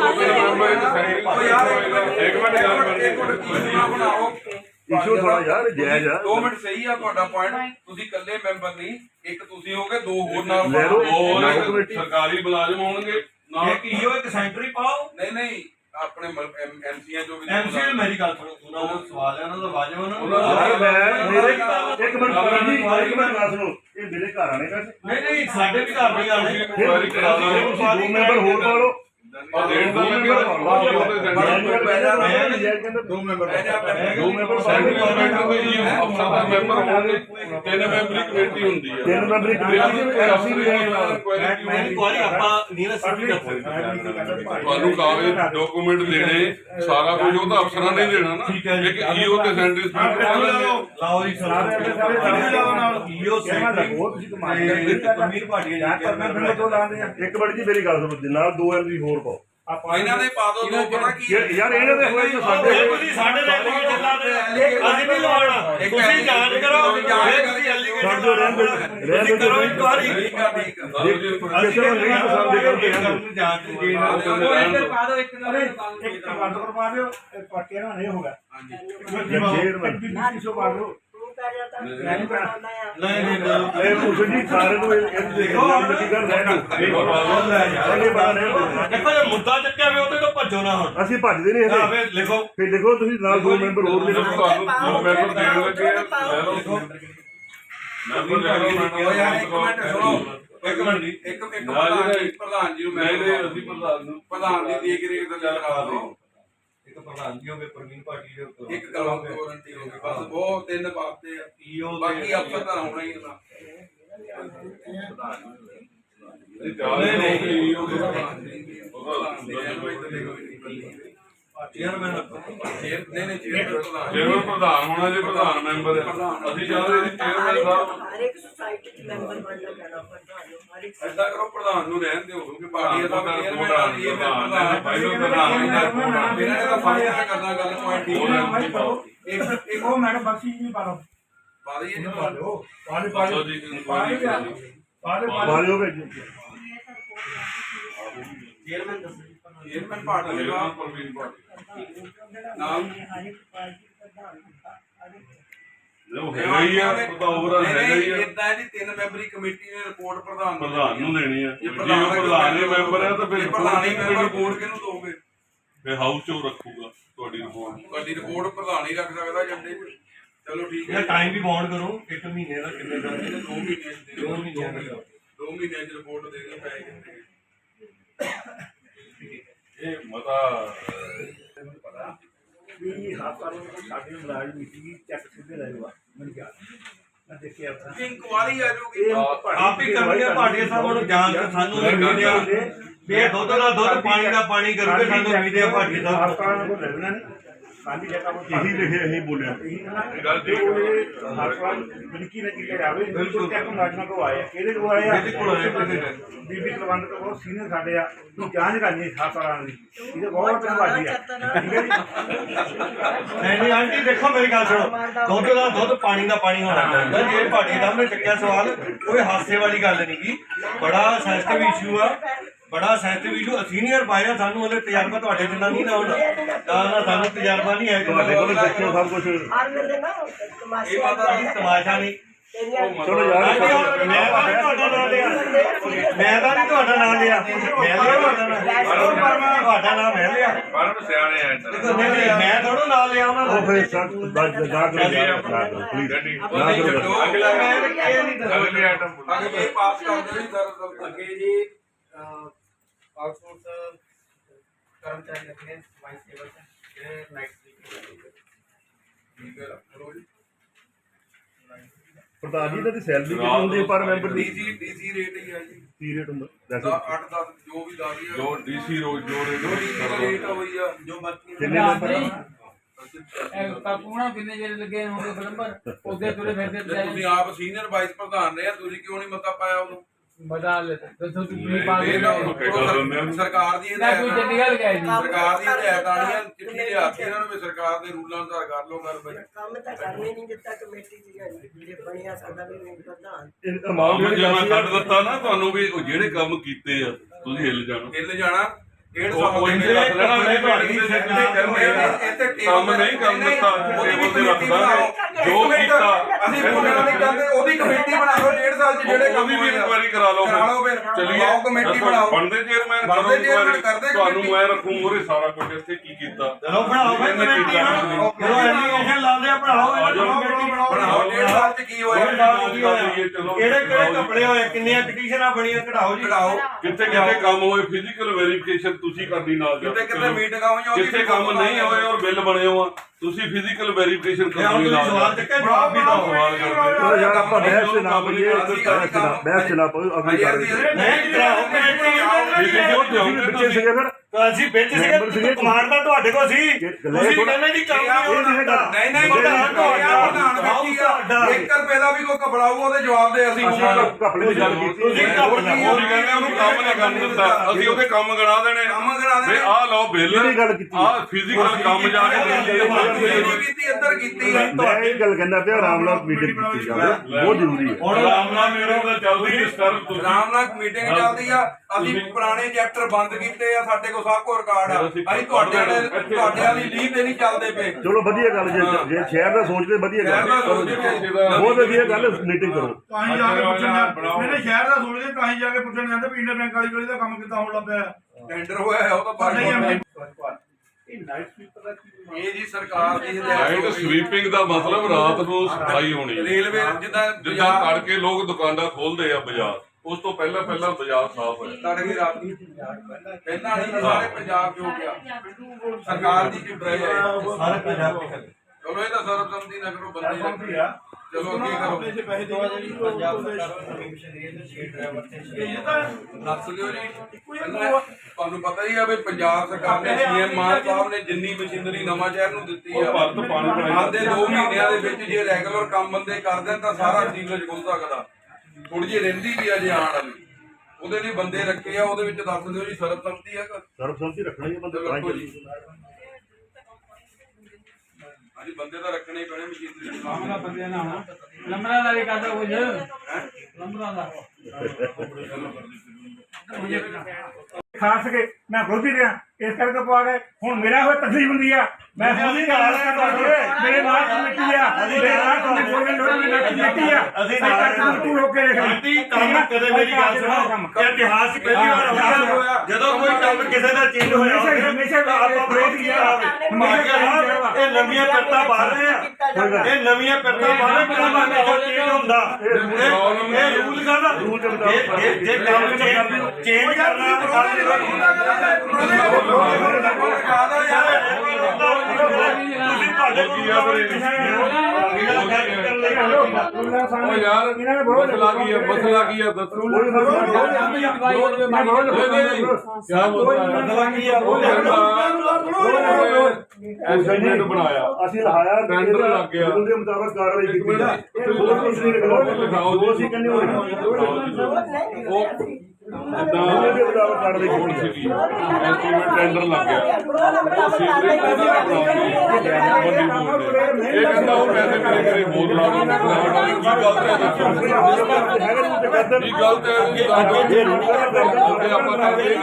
G: ਮਿੰਟ ਗੱਲ ਬਣਾਓ
F: ਇਸ਼ੂ ਥੋੜਾ ਯਾਰ ਜਾਇਜ਼ ਆ
G: 2 ਮਿੰਟ ਸਹੀ ਆ ਤੁਹਾਡਾ ਪੁਆਇੰਟ ਤੁਸੀਂ ਇਕੱਲੇ ਮੈਂਬਰ ਨਹੀਂ ਇੱਕ ਤੁਸੀਂ ਹੋਗੇ ਦੋ ਹੋਰ ਨਾਲ
F: ਲੈ ਲਓ।
D: ਹੋਰ ਸਰਕਾਰੀ ਮੁਲਾਜ਼ਮ ਹੋਣਗੇ ਨਾਲ
E: ਇੱਕ ਈਓ ਇੱਕ ਸੈਂਟਰੀ ਪਾਓ
G: ਨਹੀਂ ਆਪਣੇ ਐਮਸੀਆਂ ਜੋ ਵੀ
E: ਐਮਸੀ ਮੇਰੀ ਗੱਲ ਸੁਣੋ ਉਹਨਾਂ ਦਾ ਸਵਾਲ ਹੈ ਉਹਨਾਂ ਦਾ ਵਾਜਬ ਉਹਨਾਂ
F: ਯਾਰ ਮੈਂ ਮੇਰੇ ਇੱਕ ਮਿੰਟ ਜੀ ਇੱਕ ਮਿੰਟ ਗੱਲ ਸੁਣੋ ਇਹ ਮੇਰੇ ਘਰ ਆਣੇ ਪੈਸੇ
E: ਨਹੀਂ ਸਾਡੇ ਵੀ ਘਰ ਦੀ ਗੱਲ ਨਹੀਂ
F: ਫਿਰ ਤੁਸੀਂ ਦੋ ਮੈਂਬਰ ਹੋਰ ਪਾ ਲਓ
D: ਆ ਰੇਟ ਦਾ ਲੱਗਿਆ
G: ਦੋ ਮੈਂਬਰ
D: ਸੈਂਟਰੀ ਗਵਰਨਮੈਂਟ ਦੇ ਜੀ ਅਫਸਰ ਦਾ ਮੈਂਬਰ ਹੋਣਗੇ 3 ਮੈਂਬਰੀ ਕਮੇਟੀ ਹੁੰਦੀ ਹੈ
F: 3 ਮੈਂਬਰੀ
D: ਤੁਹਾਨੂੰ ਕਾਗਜ਼ ਡਾਕੂਮੈਂਟ ਦੇਣੇ ਸਾਰਾ ਕੁਝ ਉਹ ਤਾਂ ਅਫਸਰਾਂ ਨੇ ਦੇਣਾ ਨਾ ਇੱਕ ਈਓ ਤੇ ਸੈਂਟਰੀ
H: ਲਾਓ ਜੀ
F: ਇੱਕ ਮਿੰਟ ਜੀ ਮੇਰੀ ਗੱਲ ਸੁਣੋ ਨਾਲ 2 ਐਮਬੀ ਹੋਰ ਪਾਓ
G: ਇਹਨਾਂ ਦੇ ਪਾ ਦੋ ਦੋ ਪਤਾ ਕੀ ਹੈ
F: ਯਾਰ ਇਹਨਾਂ ਦੇ ਹੋਏ ਤਾਂ ਸਾਡੇ
H: ਸਾਡੇ ਦੇ ਕੋਈ ਚੱਲਾ ਦੇ ਅਸੀਂ ਨਹੀਂ ਲਾਉਣਾ ਤੁਸੀਂ ਜਾਂਚ ਕਰੋ ਫਿਰ ਤੁਸੀਂ
F: ਛੱਡ ਦਿਓ ਰਹਿਣ
H: ਕਰੋ ਇੱਕ ਵਾਰੀ
G: ਠੀਕ ਆ
F: ਕਿਸੇ ਨੂੰ ਨਹੀਂ ਪਸੰਦ ਕਰਦੇ ਹਨ
H: ਜਾਂਚ ਜੀ
B: ਪਾ ਦਿਓ ਇੱਕ ਨੰਬਰ
E: ਇੱਕ ਬੰਦ ਕਰਵਾ ਦਿਓ ਪਾਰਟੀਆਂ ਨਾਲ ਨਹੀਂ ਹੋਗਾ ਇਹ ਪੁੱਛ ਜੀ ਸਾਰੇ ਨੂੰ ਇਹ ਦੇਖੋ ਕੀ ਗੱਲ ਰਹਿਣਾ
H: ਦੇਖੋ ਜੇ ਮੁੱਦਾ ਚੱਕਿਆ ਵੇ ਉਹਦੇ ਤੋਂ ਭੱਜੋ ਨਾ ਹੁਣ
F: ਅਸੀਂ ਭੱਜਦੇ ਨਹੀਂ
H: ਹਾਂ
F: ਹੈਗੇ
H: ਫਿਰ ਲਿਖੋ
F: ਫਿਰ ਦੇਖੋ ਤੁਸੀਂ ਨਾਲ 2 ਮੈਂਬਰ ਹੋਰ ਲਿਖੋ
D: ਤੁਹਾਨੂੰ ਮੈਂਬਰ ਦੇਣ ਲੱਗੇ ਆ ਲੈ ਲਓ ਮੈਂਬਰ ਲੈ ਲਓ
G: ਓ ਯਾਰ ਇੱਕ ਮਿੰਟ ਸੁਣੋ
H: ਇੱਕ ਮਿੰਟ ਜੀ
G: ਇੱਕ ਪ੍ਰਧਾਨ ਜੀ ਨੂੰ ਮੈਂ
D: ਅਸੀਂ ਪ੍ਰਧਾਨ ਨੂੰ
G: ਦੀ ਦੇਖ ਰੇਖ ਦਾ ਚੱਲ ਕਰਾ ਦਿਓ
H: ਇੱਕ ਪ੍ਰਧਾਨ ਜੀ ਹੋ ਗਏ ਪ੍ਰਵੀਨ ਪਾਰਟੀ ਦੇ ਉੱਤੇ
G: ਇੱਕ ਕਲਮ ਤੋਂ ਵਾਰੰਟੀ ਹੋ ਗਈ ਬਸ ਬਹੁਤ 3 ਬਾਤੇ ਆ
H: ਈਓ
G: ਬਾਕੀ ਅਫਸਰ ਤਾਂ ਹੋਣਾ ਹੀ ਹੁੰਦਾ
H: ਚੇਅਰਮੈਨ
D: ਚੇਅਰਮੈਨ ਪ੍ਰਧਾਨ ਹੋਣਾ ਜੇ ਪ੍ਰਧਾਨ ਮੈਂਬਰ ਅਸੀਂ ਚਾਹੁੰਦੇ ਜੀ ਚੇਅਰਮੈਨ ਸਾਹਿਬ
I: ਹਰ ਇੱਕ ਸੁਸਾਇਟੀ ਚ ਮੈਂਬਰ ਬਣਨਾ ਪੈਣਾ ਪ੍ਰਧਾਨ ਨੂੰ ਹਰ ਇੱਕ
G: ਏਦਾਂ ਕਰੋ ਪ੍ਰਧਾਨ ਨੂੰ ਰਹਿਣ ਦਿਓ ਕਿਉਂਕਿ ਪਾਰਟੀ ਦਾ ਚੇਅਰਮੈਨ
D: ਪ੍ਰਧਾਨ
G: ਇਹ ਪ੍ਰਧਾਨ ਇਹਨਾਂ ਨੇ ਤਾਂ ਫਾਇਦਾ ਕਰਨਾ ਗੱਲ ਪੁਆਇੰਟ ਇੱਕ
E: ਉਹ ਮੈਡਮ ਬਖਸ਼ੀ ਜੀ ਪਾ ਲਓ
G: ਪਾ ਦਈਏ ਜੀ
E: ਪਾ ਦਿਓ
D: ਦੱਸੋ ਜੀ ਇਨਕੁਆਇਰੀ ਕਰੋ
F: ਮਾਰਿਓ ਭੇਜੋ
H: ਚੇਅਰਮੈਨ ਦੱਸੋ
G: ਚੇਅਰਮੈਨ ਪਾਰਟੀ ਦਾ
D: ਪ੍ਰਵੀਨ ਪਾਰਟੀ
G: ਨਾਮ
I: ਹਰ ਇੱਕ ਪਾਰਟੀ ਪ੍ਰਧਾਨ ਹੁੰਦਾ ਹਰ ਇੱਕ
D: ਉਹ ਹੈਗਾ ਹੀ ਆ ਉਹ ਤਾਂ ਓਵਰਆਲ ਹੈਗਾ ਹੀ ਆ
G: ਇਦਾਂ ਹੈ ਜੀ 3 ਮੈਂਬਰੀ ਕਮੇਟੀ ਨੇ ਰਿਪੋਰਟ
D: ਪ੍ਰਧਾਨ ਨੂੰ ਦੇਣੀ ਆ
G: ਜੇ
D: ਜੇ ਉਹ ਪ੍ਰਧਾਨ ਹੀ ਮੈਂਬਰ ਹੈ ਤਾਂ ਫਿਰ
G: ਪ੍ਰਧਾਨ ਹੀ ਮੈਂਬਰ ਰਿਪੋਰਟ ਕਿਹਨੂੰ ਦੋਗੇ
D: ਫਿਰ ਹਾਊਸ ਚੋਂ ਰੱਖੂਗਾ ਤੁਹਾਡੀ ਰਿਪੋਰਟ
G: ਤੁਹਾਡੀ ਰਿਪੋਰਟ ਪ੍ਰਧਾਨ ਹੀ ਰੱਖ ਸਕਦਾ ਏਜੰਡੇ 'ਚ ਚਲੋ ਠੀਕ ਹੈ
H: ਇਹ ਟਾਈਮ ਵੀ ਬਾਉਂਡ ਕਰੋ 1 ਮਹੀਨੇ ਦਾ ਕਿੰਨੇ ਦਾ
G: 2 ਮਹੀਨੇ
H: 2 ਮਹੀਨਿਆਂ ਦਾ
G: 2 ਮਹੀਨਿਆਂ 'ਚ ਰਿਪੋਰਟ ਦੇ ਦਿਓ ਪੈਸੇ
D: ਇਹ ਮਤਾ
E: ਵੀ ਹਾਤਾਂ ਨੂੰ ਸਾਡੇ ਮਲਾਜ ਮੀਟਿੰਗ ਚੈੱਕ ਸਿੱਧੇ ਲੈ ਲਵਾ ਮੈਨੂੰ ਕਿਹਾ ਮੈਂ ਦੇਖਿਆ ਆਪਣਾ
G: ਇਨਕੁਆਰੀ ਆ ਜਾਊਗੀ
E: ਇਹ
H: ਆਪ ਹੀ ਕਰਨਗੇ ਭਾਟੀਆ ਸਾਹਿਬ ਨੂੰ ਜਾਂਚ ਸਾਨੂੰ ਉਮੀਦ ਆ ਵੀ ਇਹ ਦੁੱਧ ਦਾ ਦੁੱਧ ਪਾਣੀ ਦਾ ਪਾਣੀ ਕਰੂਗੇ ਸਾਨੂੰ ਉਮੀਦ ਆ ਭਾਟੀਆ ਸਾਹਿਬ
E: ਹਾਤਾਂ ਨੂੰ ਲੈਣਾ ਨਹੀਂ ਕਾਲੀ ਜਗ੍ਹਾ ਨੂੰ
F: ਇਹੀ ਲਿਖਿਆ ਇਹੀ ਬੋਲਿਆ
E: ਗੱਲ ਤੇ ਉਹ ਹਾਤਾਂ ਬਿਲਕੀ ਨੇ ਕੀਤਾ ਜਾਵੇ ਬਿਲਕੁਲ ਚੈੱਕ ਮੁਲਾਜ਼ਮਾਂ ਕੋ ਆਏ ਕਿਹਦੇ ਕੋ ਆਏ ਆ ਬੀਬੀ ਪ੍ਰਬੰਧ ਤੋਂ ਬਹੁਤ ਸੀਨੀਅਰ ਸਾਡੇ ਆ ਤੂੰ ਜਾਂਚ ਕਰਨੀ ਹਾਤਾਂ ਦੀ ਇਹਦੇ ਬਹੁਤ ਧੰਨਵਾਦੀ ਆ ਠੀਕ ਹੈ ਜੀ
H: ਨਹੀਂ ਆਂਟੀ ਦੇਖੋ ਮੇਰੀ ਗੱਲ ਸੁਣੋ ਦੁੱਧ ਦਾ ਦੁੱਧ ਪਾਣੀ ਦਾ ਪਾਣੀ ਹੋਣਾ ਚਾਹੀਦਾ ਜੇ ਭਾਟੀਆ ਸਾਹਿਬ ਨੇ ਚੱਕਿਆ ਸਵਾਲ ਕੋਈ ਹਾਸੇ ਵਾਲੀ ਗੱਲ ਨਹੀਂ ਗੀ ਬੜਾ ਸੈਂਸਿਟਿਵ ਇਸ਼ੂ ਆ ਬੜਾ ਸੈਂਸਿਟਿਵ ਇਸ਼ੂ ਸੀਨੀਅਰ ਪਾਇਆ ਸਾਨੂੰ ਉਹਦੇ ਤਜਰਬਾ ਤੁਹਾਡੇ ਜਿੰਨਾ ਨਹੀਂ ਨਾ ਹੁੰਦਾ ਤਾਂ ਸਾਨੂੰ ਤਜਰਬਾ ਨਹੀਂ ਹੈ
F: ਤੁਹਾਡੇ ਕੋਲ ਦੇਖਿਓ ਸਭ ਕੁਝ
I: ਹਰ ਵੇਲੇ ਨਾ ਤਮਾਸ਼ੇ
H: ਇਹ ਪਤਾ ਨਹੀਂ ਤਮਾਸ਼ਾ ਨਹੀਂ
F: ਚਲੋ ਯਾਰ
H: ਮੈਂ ਤਾਂ ਨਹੀਂ ਤੁਹਾਡਾ ਨਾਂ ਲਿਆ ਮੈਂ ਤਾਂ ਨਹੀਂ ਤੁਹਾਡਾ ਨਾਂ ਲਿਆ ਮੈਂ ਤੁਹਾਡਾ ਨਾਂ ਮੈਂ ਲਿਆ
D: ਪਰਮ ਸਿਆਣੇ ਆ ਇੱਧਰ
H: ਨਹੀਂ ਮੈਂ ਥੋੜਾ ਨਾਂ ਲਿਆ ਉਹਨਾਂ
F: ਉਹ
H: ਦਾ
F: ਫਿਰ ਸਭ ਨਾ ਕਰੋ ਪਲੀਜ਼
D: ਅਗਲਾ
H: ਮੈਂ ਇਹ ਨਹੀਂ ਦੱਸਦਾ
D: ਅਗਲੇ ਆਈਟਮ
G: ਅੱਗੇ ਇਹ ਪਾਸ ਕਰ ਦਿਓ ਜੀ ਸਰ
H: ਅੱਗੇ ਜੀ ਆਊਟਸੋਰਸ ਕਰਮਚਾਰੀ ਰੱਖਣੇ ਵਾਈਸ ਟੇਬਲ ਤੇ ਨਾਈਟ
G: ਠੀਕ ਹੈ ਚਲੋ ਜੀ
F: ਪ੍ਰਧਾਨ ਜੀ ਦਾ ਸੈਲਰੀ ਕਿੰਨੀ ਹੁੰਦੀ ਪਰ ਮੈਂਬਰ ਦੀ
G: ਡੀਸੀ ਰੇਟ ਹੀ ਹੈ ਜੀ
F: ਕੀ ਰੇਟ ਹੁੰਦਾ ਦੱਸ
G: 8 10 ਜੋ ਵੀ ਦੱਸ ਦਿਆ
D: ਜੋ ਡੀਸੀ ਰੋਜ਼ ਜੋੜੇ
G: ਜੋ ਡੀਸੀ ਦਾ ਰੇਟ ਹੋਈ ਆ ਜੋ ਬਾਕੀ
F: ਕਿੰਨੇ ਮੈਂਬਰ
J: ਕਾਕੂਣਾ ਕਿੰਨੇ ਜਿਹੜੇ ਲੱਗੇ ਹੋਣਗੇ ਫਿਲਮਰ ਉਹਦੇ ਤੁਰੇ ਫਿਰਦੇ
G: ਤੇ ਤੁਸੀਂ ਆਪ ਸੀਨੀਅਰ ਵਾਈਸ ਪ੍ਰਧਾਨ ਰਹੇ ਆ ਤੁਸੀਂ ਕਿਉਂ ਨਹੀਂ ਮਤਾ ਪਾਇਆ ਉਦੋਂ
J: ਬਤਾ ਲੈ ਦੱਸੋ ਤੁਸੀਂ ਪਾ
G: ਇਹ ਤਾਂ ਸਰਕਾਰ ਦੀ
J: ਨਾ ਕੋਈ ਚੰਡੀਗੜ੍ਹ ਗਏ ਜੀ
G: ਸਰਕਾਰ ਦੀ ਹਦਾਇਤ ਆਣੀ ਆ ਚਿੱਠੀ ਲਿਆਤੀ ਇਹਨਾਂ ਨੂੰ ਵੀ ਸਰਕਾਰ ਦੇ ਰੂਲਾਂ ਅਨੁਸਾਰ ਕਰ ਲਓ ਗੱਲ ਬਈ
I: ਕੰਮ ਤਾਂ ਕਰਨੇ ਨਹੀਂ ਦਿੱਤਾ ਕਮੇਟੀ ਦੀ ਜੇ ਬਣਿਆ ਸਾਡਾ ਵੀ ਨਹੀਂ ਪ੍ਰਧਾਨ
F: ਅਮਾਉਂਟ
D: ਜੇ ਮੈਂ ਕੱਢ ਦਿੱਤਾ ਨਾ ਤੁਹਾਨੂੰ ਵੀ ਉਹ ਜਿਹੜੇ ਕੰਮ ਕੀਤੇ ਆ ਤੁਸੀਂ ਹਿੱਲ ਜਾਣਾ
G: ਹਿੱਲ ਜਾਣਾ 150
D: ਉਹ ਇੰਨੇ ਰੱਖ ਲੈਣਾ ਨਹੀਂ ਤੁਹਾਡੀ ਇੱਥੇ
G: ਇੱਥੇ
D: ਕੰਮ ਨਹੀਂ ਕੰਮ ਦਿੱਤਾ ਟੇਬਲ ਤੇ ਰੱਖ ਦਾਂਗੇ ਜੋ ਕੀਤਾ
G: ਅਸੀਂ ਬੋਲਣਾ ਨਹੀਂ ਚਾਹੁੰਦੇ, ਉਹਦੀ ਕਮੇਟੀ ਬਣਾ ਲਓ 1.5 ਸਾਲ ਚ ਜਿਹੜੇ ਕੰਮ
D: ਉਹਦੀ ਵੀ
G: ਹੋਏ ਆ।
D: ਇਨਕੁਆਇਰੀ ਕਰਾ ਲਓ
G: ਕਰਾ ਲਓ ਫਿਰ।
D: ਚਲਿਏ
G: ਬਣਾਓ ਕਮੇਟੀ ਬਣਾਓ।
D: ਬਣਦੇ ਚੇਅਰਮੈਨ
G: ਬਣਦੇ chairman ਕਰਦੇ
D: ਤੁਹਾਨੂੰ
G: ਕਮੇਟੀ।
D: ਮੈਂ ਰੱਖੂ ਮੋਰੇ ਸਾਰਾ ਕੁਝ ਇੱਥੇ ਕੀ ਕੀਤਾ
H: ਚਲੋ ਬਣਾਓ ਫਿਰ
D: ਇਹਨੇ
H: ਕਮੇਟੀ
D: ਕੀਤਾ
H: ਹੁਣ। ਜਦੋਂ ਐਲੀਗੇਸ਼ਨ ਲਾਉਂਦੇ ਆ ਬਣਾਓ
D: ਆ ਜਾਓ।
G: ਬਣਾਓ 1.5 ਸਾਲ ਚ ਕੀ ਹੋਇਆ
H: ਕਿਹੜੇ ਕਿਹੜੇ ਕੱਪੜੇ ਹੋਏ, ਕਿੰਨੀਆਂ ਪਟੀਸ਼ਨਾਂ ਬਣੀਆਂ, ਕਢਾਓ ਜੀ।
G: ਕਢਾਓ।
D: ਕਿੱਥੇ ਕਿੱਥੇ ਕੰਮ ਹੋਏ ਫਿਜ਼ੀਕਲ ਵੈਰੀਫਿਕੇਸ਼ਨ ਤੁਸੀਂ ਕਰਨੀ ਨਾਲ ਜਾ
G: ਕਿਤੇ ਕਿਤੇ ਮੀਟਿੰਗਾਂ ਹੋਈਆਂ ਉਹਦੀ
D: ਜਿੱਥੇ ਕੰਮ ਨਹੀਂ ਹੋਏ ਔਰ ਬਿੱਲ ਬਣੇ ਹੋ ਤੁਸੀਂ ਫਿਜ਼ੀਕਲ ਵੈਰੀਫਿਕੇਸ਼ਨ
H: ਹੁਣ
D: ਕਰਨੀ
H: ਤੁਸੀਂ
D: ਨਾਲ
H: ਸਵਾਲ ਚੱਕਿਆ, ਜਵਾਬ ਵੀ ਦਿਓ।
D: ਸਵਾਲ
F: ਚਲੋ ਯਾਰ ਆਪਾਂ ਬਹਿਸ ਚ ਨਾ ਪਈਏ, ਬਹਿਸ ਚ ਨਾ ਪਓ, ਅਗਲੀ ਗੱਲ
H: ਨਹੀਂ ਕਰਾਓ ਕਮੇਟੀ।
F: ਬੱਚੇ ਸੀਗੇ ਫਿਰ
H: ਅਸੀਂ ਵਿੱਚ ਸੀਗੇ, ਕਮਾਂਡ ਤਾਂ ਤੁਹਾਡੇ ਕੋਲ ਸੀ। ਤੁਸੀਂ ਕਹਿੰਦੇ ਜੀ ਕੰਮ ਨਹੀਂ ਹੋਣਾ।
G: ਨਹੀਂ ਨਹੀਂ ਪ੍ਰਧਾਨ ਤੁਹਾਡਾ 1 ਰੁਪਏ ਦਾ ਵੀ ਕੋਈ ਘਬਰਾਊ ਉਹਦੇ ਜਵਾਬ ਦੇ ਅਸੀਂ
F: ਘਪਲੇ ਦੀ ਗੱਲ ਕੀਤੀ
H: ਤੁਸੀਂ ਘਪਲਾ
D: ਉਹੀ ਕਹਿੰਦੇ ਉਹਨੂੰ ਕੰਮ ਨਾ ਕਰਨ ਦਿੱਤਾ ਅਸੀਂ ਉਹਦੇ ਕੰਮ ਗਣਾ ਦੇਣੇ
G: ਕੰਮ ਗਣਾ ਦੇਣੇ।
D: ਵੀ ਆਹ ਲਓ ਬਿੱਲ
F: ਕਿਹੜੀ ਗੱਲ ਕੀਤੀ?
D: ਆਹ ਫਿਜ਼ੀਕਲ ਕੰਮ ਜਾ ਕੇ ਦੇ ਦਈਏ
G: ਨਹੀਂ ਕੀਤੀ ਇੱਧਰ ਕੀਤੀ ਹੈ।
F: ਮੈਂ ਇਹ ਗੱਲ ਕਹਿੰਦਾ ਪਿਆ ਆਰਾਮ ਨਾਲ ਮੀਟਿੰਗ ਕੀਤੀ ਜਾਵੇ, ਬਹੁਤ ਜ਼ਰੂਰੀ ਹੈ।
D: ਹੁਣ ਰਾਮ ਨਾਲ ਮੇਰੇ ਨਾਲ ਚੱਲਦੀ ਨਹੀਂ ਸਰ ਤੁਸੀਂ
G: ਆਰਾਮ ਨਾਲ ਮੀਟਿੰਗ ਚੱਲਦੀ ਆ। ਅਸੀਂ ਪੁਰਾਣੇ ਚੈਪਟਰ ਬੰਦ ਕੀਤੇ ਆ, ਸਾਡੇ ਕੋਲ ਸਭ ਕੋ ਰਿਕਾਰਡ ਆ। ਅਸੀਂ ਤੁਹਾਡੇ ਵਾਲੀ ਲੀਹ ਤੇ ਨਹੀਂ ਚੱਲਦੇ ਪਏ।
F: ਚਲੋ ਵਧੀਆ ਗੱਲ, ਜੇ ਸ਼ਹਿਰ ਦਾ ਸੋਚਦੇ ਵਧੀਆ
G: ਸ਼ਹਿਰ ਦਾ
F: ਗੱਲ,
G: ਸੋਚਦੇ
F: ਬਹੁਤ ਵਧੀਆ ਗੱਲ, ਮੀਟਿੰਗ ਕਰੋ।
E: ਤਾਂ ਹੀ ਜਾ ਕੇ ਪੁੱਛਣਾ ਮੇਰੇ ਸ਼ਹਿਰ ਦਾ ਸੋਚਦੇ, ਤਾਂ ਹੀ ਜਾ ਕੇ ਪੁੱਛਣ ਜਾਂਦੇ ਵੀ ਇੰਡੀਅਨ ਬੈਂਕ ਵਾਲੀ ਗਲੀ ਦਾ ਕੰਮ ਕਿੱਦਾਂ ਹੋਣ ਲੱਗ ਪਿਆ।
G: ਟੈਂਡਰ ਹੋਇਆ ਹੈ, ਉਹ ਤਾਂ ਬਾਅਦ
E: ਨਹੀਂ
G: ਇਹ ਜੀ ਸਰਕਾਰ ਦੀ
D: ਲਾਈਟ
G: ਹਦਾਇਤ
D: ਸਵੀਪਿੰਗ ਦਾ ਮਤਲਬ ਰਾਤ ਨੂੰ ਸਫਾਈ ਹੋਣੀ ਹੈ।
G: ਰੇਲਵੇ ਜਿੱਦਾਂ
D: ਜਿੱਦਾਂ ਤੜਕੇ ਲੋਕ ਦੁਕਾਨਾਂ ਖੋਲਦੇ ਆ ਬਾਜ਼ਾਰ, ਉਸ ਤੋਂ ਪਹਿਲਾਂ ਬਾਜ਼ਾਰ ਸਾਫ਼ ਹੋਇਆ।
G: ਤੜਕੇ ਰਾਤ ਨੂੰ ਪਹਿਲਾਂ ਨਹੀਂ ਸਾਰੇ ਪੰਜਾਬ ਚ ਹੋ ਗਿਆ। ਸਰਕਾਰ ਦੀ ਡਿਊਟੀ ਹੈ
H: ਸਾਰੇ ਪੰਜਾਬ ਦੇ
G: ਚਲੋ ਇਹ ਤਾਂ ਸਰਬਸੰਮਤੀ ਨਾ ਕਰੋ, ਬੰਦੇ ਰੱਖੀ ਆ। ਚਲੋ ਅੱਗੇ ਕਰੋ। ਦੱਸ ਦਿਓ ਜੀ। ਪਹਿਲਾਂ ਤੁਹਾਨੂੰ ਪਤਾ ਹੀ ਆ ਵੀ ਪੰਜਾਬ ਸਰਕਾਰ ਨੇ ਸੀਐਮ ਮਾਨ ਸਾਹਿਬ ਨੇ ਜਿੰਨੀ ਮਸ਼ੀਨਰੀ ਨਵਾਂ ਸ਼ਹਿਰ ਨੂੰ ਦਿੱਤੀ ਆ, ਆਉਂਦੇ 2 ਮਹੀਨਿਆਂ ਦੇ ਵਿੱਚ ਜੇ ਰੈਗੂਲਰ ਕੰਮ ਬੰਦੇ ਕਰ ਦੇਣ ਤਾਂ ਸਾਰਾ ਸੀਵਰੇਜ ਖੁੱਲ ਸਕਦਾ। ਥੋੜੀ ਜਿਹੀ ਰਹਿੰਦੀ ਵੀ ਆ ਜੇ ਆਉਣ ਵਾਲੀ, ਉਹਦੇ ਲਈ ਬੰਦੇ ਰੱਖੇ ਆ। ਉਹਦੇ ਵਿੱਚ ਦੱਸ ਦਿਓ ਜੀ ਸਰਬਸੰਮਤੀ ਹੈ।
F: ਸਰਬਸੰਮਤੀ ਰੱਖਣੀ ਹੈ ਬੰਦੇ ਤਾਂ
G: ਰੱਖੋ ਜੀ। ਹਾਂਜੀ ਬੰਦੇ ਤਾਂ ਰੱਖਣੇ ਹੀ ਪੈਣੇ ਮਸ਼ੀਨਰੀ।
J: ਮਾਮਲਾ ਬੰਦਿਆਂ ਨਾਲ ਹੋਣਾ। ਲੰਬਰਾਂ ਦਾ ਵੀ ਕਰਦਾ ਕੁਝ ਲੰਬਰਾਂ ਦਾ
E: ਖਾਸ ਕੇ ਮੈਂ ਖੁਦ ਹੀ ਰਿਹਾ, ਇਸ ਕਰਕੇ ਪਵਾ ਗਏ। ਹੁਣ ਮੇਰਾ ਹੋਇਆ ਤਕਲੀਫ ਹੁੰਦੀ ਆ, ਮੈਂ ਖੁਦ ਹੀ ਨਾਲ ਮੇਰੇ ਨਾਲ ਕਮੇਟੀ ਆ, ਮੇਰੇ ਨਾਲ ਕਮੇਟੀ ਆ। ਅਸੀਂ ਕਮੇਟੀ ਰੋਕ ਕੇ
H: ਕਮੇਟੀ ਕੰਮ ਕਦੇ ਮੇਰੀ ਗੱਲ ਸੁਣੋ, ਇਤਿਹਾਸ 'ਚ ਪਹਿਲੀ ਵਾਰ ਹੋਇਆ ਜਦੋਂ ਕੋਈ ਕੰਮ ਕਿਸੇ ਦਾ ਚੇਂਜ ਹੋਇਆ ਤਾਂ ਆਪਾਂ ਵਿਰੋਧ ਕੀਤਾ ਹੋਵੇ। ਇਹ ਨਵੀਆਂ ਪਿਰਤਾਂ ਪਾ ਰਹੇ ਆ, ਇਹ ਨਵੀਆਂ ਪਿਰਤਾਂ ਪਾ ਰਹੇ, ਕੰਮ ਹਮੇਸ਼ਾ ਚੇਂਜ ਹੁੰਦਾ। ਇਹ ਰੂਲ ਕਰਦਾ, ਜੇ ਕੰਮ ਚੇਂਜ ਕਰਨਾ ਤੁਸੀਂ ਤੁਹਾਡੇ
D: ਉਹ ਯਾਰ ਮਸਲਾ ਕੀ ਹੈ, ਮਸਲਾ ਕੀ ਹੈ ਦੱਸੋ। ਐਸਟੀਮੇਟ ਬਣਾਇਆ,
F: ਅਸੀਂ ਲਹਾਇਆ,
D: ਟੈਂਡਰ ਲੱਗ ਗਿਆ,
F: ਉਹਦੇ ਮੁਤਾਬਕ ਕਾਰਵਾਈ ਕੀਤੀ ਜਾ। ਇਹ ਹੋਰ ਕੁਝ ਨਹੀਂ ਲਿਖਾਓ, ਜੋ ਅਸੀਂ ਕਹਿੰਦੇ ਹੋ ਉਹਦੇ ਮੁਤਾਬਕ ਕਾਰਵਾਈ ਕੀਤੀ ਜਾ।
D: ਐਸਟੀਮੇਟ ਟੈਂਡਰ ਲੱਗ ਗਿਆ, ਇਹ ਕਹਿੰਦਾ ਉਹ ਪੈਸੇ ਮੇਰੇ ਘਰੇ ਹੋਰ ਲਾ ਦੋ। ਕੀ ਗਲਤ ਹੈ ਦੱਸੋ, ਕੀ ਗਲਤ ਹੈ ਕੀ ਆਪਾਂ ਕਰਦੇ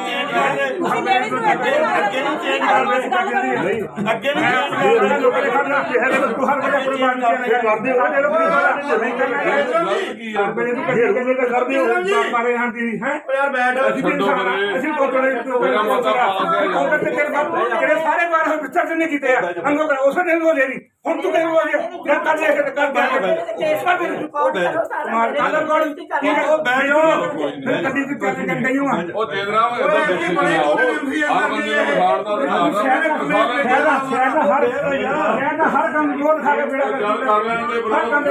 H: ਅੱਗੇ ਨਹੀਂ ਚੇਂਜ ਕਰਦੇ, ਅੱਗੇ ਨਹੀਂ ਚੇਂਜ ਕਰਦੇ।
F: ਲੋਕਾਂ ਨੇ ਖੜਨਾ ਹਰ ਵੇਲੇ ਕੁਰਬਾਨੀ ਕਰਦੇ ਹੋ, ਸਾਡੇ ਲੋਕ ਨਹੀਂ ਕਰਦੇ ਹੋ ਮਾਰੇ ਹਾਂ ਦੀ ਹੈ ਯਾਰ ਬੈਠ। ਅਸੀਂ
D: ਮੇਰਾ ਮਤਾ ਪਾਸ ਹੈ
E: ਜਿਹੜੇ ਸਾਰੇ ਬਾਰ ਵਿਚਾਰ ਨਹੀਂ ਕੀਤੇ ਆ ਅੰਗੋ ਉਸ ਨੇ ਉਹ ਲੈ ਲਈ। ਹੁਣ ਤੂੰ ਕਿਹੋ ਜਿਹਾ ਜਦ ਕਰ ਲਿਆ ਕਰ ਮਾਰ ਕਾਲਰ ਕੋਲ ਕੀ ਉਹ ਬੈਠੋ ਕਦੀ ਤੂੰ ਚੱਲ ਕੇ ਗਈ ਹਾਂ।
D: ਉਹ ਤੇਰਾ ਹੋਇਆ ਦੇਖੀ ਬਣਾਓ, ਹਰ ਬੰਦੇ ਨੂੰ ਵਿਖਾੜਦਾ
E: ਸ਼ਹਿਰ ਦਾ ਹਰ ਕੰਮ ਜੋਰ ਖਾ ਕੇ ਬੇੜਾ
D: ਗੱਲ ਕਰ ਲੈਣ ਦੇ
E: ਹਰ ਕੰਮ ਦੇ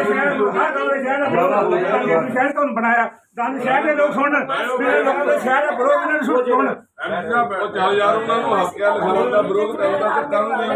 E: ਸ਼ਹਿਰ ਤੋਂ ਬਣਾਇਆ ਤਾਂ ਸ਼ਹਿਰ ਦੇ ਲੋਕ ਸੁਣਨ, ਮੇਰੇ ਲੋਕਾਂ ਦੇ ਸ਼ਹਿਰ ਦਾ ਵਿਰੋਧ ਇਹਨਾਂ ਨੂੰ ਸੁਣਨ।
D: ਉਹ ਚੱਲ ਯਾਰ ਉਹਨਾਂ ਨੂੰ ਹੱਕ ਹੈ ਲਿਖਾਉਣ ਦਾ, ਵਿਰੋਧ ਕਰਦਾ ਤੇ ਕਰਨਗੇ।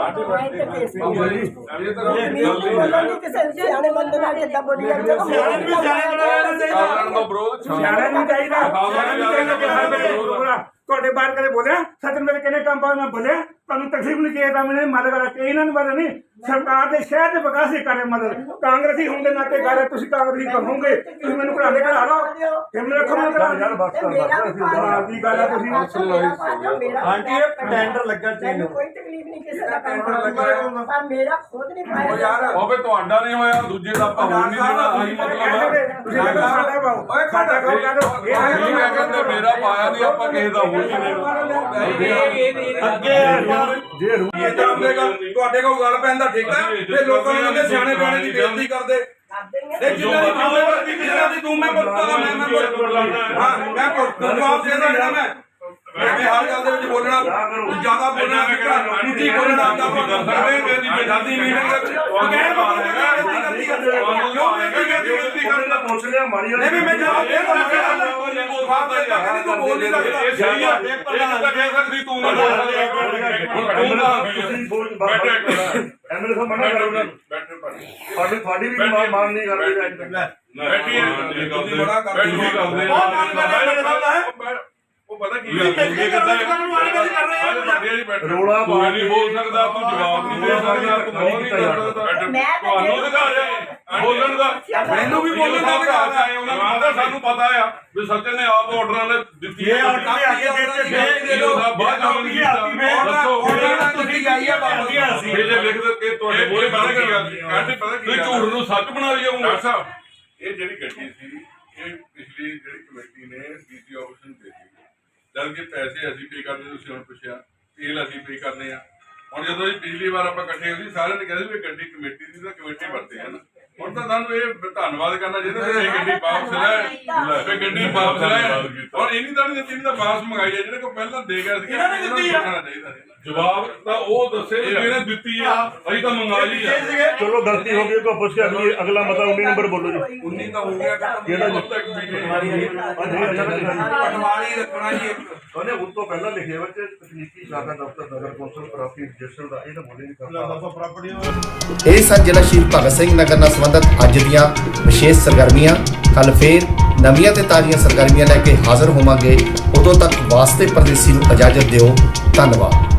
D: ਇਹ ਤਾਂ ਗੱਲ ਨਹੀਂ
I: ਕਿਸੇ ਸਿਆਣੇ ਬੰਦੇ ਨਾਲ ਕਿੱਦਾਂ ਬੋਲੀ ਜਾਂਦੇ ਹੋ।
D: ਕਾਰਨ ਦਾ ਵਿਰੋਧ
E: ਸਿਆਣਾ ਨਹੀਂ ਚਾਹੀਦਾ, ਸਿਆਣਾ ਨਹੀਂ ਚਾਹੀਦਾ ਕਿ ਹਰ ਵੇਲੇ ਤੁਹਾਡੇ ਬਾਹਰ ਕਦੇ ਬੋਲਿਆ ਸੱਚ ਮੇਰੇ ਕਿਹਨੇ ਕੰਮ ਪਾ ਮੈਂ ਬੋਲਿਆ ਤੁਹਾਨੂੰ ਤਕਲੀਫ ਨਹੀਂ ਚਾਹੀਦਾ। ਮੈਨੇ ਮਾਲਕ ਵਾਲਾ ਕਿ ਇਹਨਾਂ ਨੂੰ ਬਾਰੇ ਨਹੀਂ ਸਰਕਾਰ ਦੇ ਸ਼ਹਿਰ ਦੇ ਵਿਕਾਸ ਦੀ ਕਰੇ ਮਦਦ। ਕਾਂਗਰਸੀ ਹੋਣ ਦੇ ਨਾਤੇ ਕਰ ਤੁਸੀਂ ਕਾਂਗਰਸੀ ਕਹੋਗੇ, ਤੁਸੀਂ ਮੈਨੂੰ ਘਰਾਂ ਦੇ ਘਰਾ ਲਓ ਫਿਰ ਮੇਰੇ ਖਬਰ ਕਰਾ
F: ਯਾਰ ਬਸ ਕਰ
E: ਬਾਹਰ ਦੀ ਗੱਲ ਆ ਤੁਸੀਂ
H: ਆਂਟੀ ਇਹ ਟੈਂਡਰ ਲੱਗਾ
I: ਮੈਨੂੰ ਕੋਈ ਤਕਲੀਫ ਨਹੀਂ ਕਿਸੇ ਦਾ ਪਰ ਮੇਰਾ ਖੁਦ ਨਹੀਂ ਪਾਇਆ
G: ਉਹ ਯਾਰ
D: ਬਾਬੇ ਤੁਹਾਡਾ ਨਹੀਂ ਹੋਇਆ ਦੂਜੇ ਦਾ ਆਪਾਂ ਹੋਣ ਨਹੀਂ ਦੇਣਾ ਆਹੀ ਮਤਲਬ ਹੈ
E: ਤੁਸੀਂ ਕਹਿੰਦੇ ਸਾਡਾ ਪਾਓ ਓਏ ਖਾਤਾ ਖਾਓ ਕਹਿੰਦੇ
D: ਇਹ ਮੈਂ ਕਹਿੰਦਾ ਮੇਰਾ ਪਾਇਆ ਨਹੀਂ ਆਪਾਂ ਕਿਸੇ ਦਾ ਹੋਣ ਨਹੀਂ ਦੇਣਾ
H: ਅੱਗੇ
F: ਜੇ ਰੂ
G: ਇਹ ਜਾਣਦੇਗਾ ਤੁਹਾਡੇ ਕੋਲ ਗੱਲ ਪੈਣ ਦਾ ਠੇਕਾ ਤੇ ਲੋਕਾਂ ਨੂੰ ਕਹਿੰਦੇ ਸਿਆਣੇ ਬਿਆਣੇ ਦੀ ਬੇਇੱਜ਼ਤੀ ਕਰਦੇ ਇਹ ਜਿੰਨਾ ਦੀ ਤੂੰ ਮੈਂ ਪੁੱਛਦਾ ਮੈਂ ਹਾਂ ਮੈਂ ਪੁੱਛਦਾ ਜਵਾਬ ਦੇ ਦੇਣਾ ਮੈਂ ਹਰ ਗੱਲ ਦੇ ਵਿੱਚ ਬੋਲਣਾ ਜ਼ਿਆਦਾ ਬੋਲਣਾ ਉੱਚੀ ਬੋਲਣਾ ਦਾ ਕਰ ਸਕਦੇ ਮੇਰੀ ਦਾਦੀ ਮੀਟਿੰਗ ਦੇ ਵਿੱਚ
F: ਪੁੱਛ ਲਿਆ ਮਾਰੀ
G: ਨਹੀਂ ਵੀ ਮੈਂ ਜਵਾਬ ਦੇ ਤੂੰ ਬੋਲ ਨਹੀਂ ਸਕਦਾ
D: ਇਹ ਸਹੀ ਆ ਇਹ ਤਾਂ ਕਹਿ ਸਕਦੀ ਤੂੰ ਨਾ ਬੋਲ
F: ਐਮਐਲਏ ਸਾਹਿਬ ਮਨਾ ਕਰੋ ਨਾ ਤੁਹਾਡੀ ਵੀ ਮਾਨ ਨਹੀਂ ਕਰਦੇ
D: ਬੈਠੀ ਹੈ
G: ਤੁਸੀਂ ਬੜਾ ਕਰਦੇ
D: ਉਹ ਪਤਾ ਕੀ ਗੱਲ ਹੈ ਕਿੱਦਾਂ
F: ਰੋਲਾ
D: ਤੂੰ ਨਹੀਂ ਬੋਲ ਸਕਦਾ ਤੂੰ ਜਵਾਬ ਨਹੀਂ ਦੇ ਸਕਦਾ ਤੂੰ ਬੋਲ ਨਹੀਂ ਸਕਦਾ ਤੁਹਾਨੂੰ ਅਧਿਕਾਰ ਹੈ ਬੋਲਣ ਦਾ
G: ਮੈਨੂੰ ਵੀ ਬੋਲਣ ਦਾ ਅਧਿਕਾਰ ਹੈ
D: ਉਹਨਾਂ ਨੂੰ ਪਤਾ ਸਾਨੂੰ ਪਤਾ ਆ ਵੀ ਸੱਚਨ ਨੇ ਆਪ ਆਰਡਰਾਂ ਨੇ ਦਿੱਤੀ
H: ਇਹ ਆਰਡਰ ਦੇ ਅੱਗੇ ਦੇ
D: ਦੇ ਬਾਅਦ ਜਾਣ ਨਹੀਂ ਕੀਤਾ ਦੱਸੋ
G: ਤੁਸੀਂ ਜਾਈਏ ਬਾਬਾ
D: ਇਹ ਜੇ ਲਿਖ ਦੇ ਕਿ ਤੁਹਾਡੇ ਮੋਰੇ ਪਤਾ ਕੀ ਗੱਲ ਕਹਿੰਦੇ ਪਤਾ ਕੀ ਝੂਠ ਨੂੰ ਸੱਚ ਬਣਾ ਰਹੀ ਹੈ ਸਾਹਿਬ
K: ਇਹ ਜਿਹੜੀ ਗੱਡੀ ਸੀ ਇਹ ਪਿਛਲੀ ਜਿਹੜੀ ਕਮੇਟੀ ਨੇ ਡੀਸੀ ਆਫਿਸ ਨੂੰ ਦੇ ਦਿੱਤੀ ਜਦ ਕਿ ਪੈਸੇ ਅਸੀਂ ਪੇ ਕਰਦੇ ਤੁਸੀਂ ਹੁਣ ਪੁੱਛਿਆ ਤੇਲ ਅਸੀਂ ਪੇ ਕਰਨੇ ਆ ਹੁਣ ਜਦੋਂ ਇਹ ਪਿਛਲੀ ਵਾਰ ਆਪਾਂ ਇਕੱਠੇ ਹੋਏ ਸੀ ਸਾਰਿਆਂ ਨੇ ਕਹਿੰਦੇ ਵੀ ਗੱਡੀ ਕਮੇਟੀ ਦੀ ਤਾਂ ਕਮੇਟੀ ਵਰਤੇ ਹਨ ਹੁਣ ਤਾਂ ਤੁਹਾਨੂੰ ਇਹ ਧੰਨਵਾਦ ਕਰਨਾ ਚਾਹੀਦਾ ਵੀ ਇਹ ਗੱਡੀ ਵਾਪਸ ਲੈ ਤੇ ਗੱਡੀ ਵਾਪਸ ਲੈ ਹੁਣ ਇਹਨੀ ਤਾਂ ਨਹੀਂ ਦਿੱਤੀ ਤਾਂ ਵਾਪਸ ਮੰਗਾਈ ਹੈ ਜਿਹੜੇ ਕੋ ਪਹਿਲਾਂ ਦੇ ਗਿਆ ਸੀ ਇਹਨਾਂ ਨੇ ਦਿੱਤੀ
D: ਜਵਾਬ ਤਾਂ ਉਹ ਦੱਸੇ ਜਿਹਨੇ ਦਿੱਤੀ ਆ ਅਸੀਂ ਤਾਂ ਮੰਗਾ ਲਈ ਆ
F: ਚਲੋ ਗਲਤੀ ਹੋ ਗਈ ਕੋ ਪੁੱਛ ਕੇ ਅਗਲਾ ਮਤਾ 19 ਨੰਬਰ ਬੋਲੋ ਜੀ
G: 19 ਤਾਂ ਹੋ ਗਿਆ
F: ਕਿਹੜਾ ਜੀ
G: ਪਟਵਾਰੀ ਰੱਖਣਾ ਜੀ
F: ਉਹਨੇ ਉਸ ਤੋਂ ਪਹਿਲਾਂ ਲਿਖਿਆ ਵਿੱਚ ਤਕਨੀਕੀ ਸ਼ਾਖਾ ਦਫ਼ਤਰ ਨਗਰ ਕੌਂਸਲ ਪ੍ਰਾਪਰਟੀ ਰਜਿਸਟਰ ਦਾ ਇਹ ਤਾਂ ਬੋਲੇ ਨਹੀਂ ਕਰਦਾ
A: ਇਹ ਸਨ ਜ਼ਿਲ੍ਹਾ ਸ਼ਹੀਦ ਭਗਤ ਸਿੰਘ ਨਗਰ ਨਾਲ ਸੰਬੰਧਿਤ ਅੱਜ ਦੀਆਂ ਵਿਸ਼ੇਸ਼ ਸਰਗਰਮੀਆਂ। ਕੱਲ ਫੇਰ ਨਵੀਆਂ ਤੇ ਤਾਜ਼ੀਆਂ ਸਰਗਰਮੀਆਂ ਲੈ ਕੇ ਹਾਜ਼ਰ ਹੋਵਾਂਗੇ। ਉਦੋਂ ਤੱਕ ਵਾਸਤੇ ਪਰਦੇਸੀ ਨੂੰ ਇਜਾਜ਼ਤ ਦਿਓ। ਧੰਨਵਾਦ।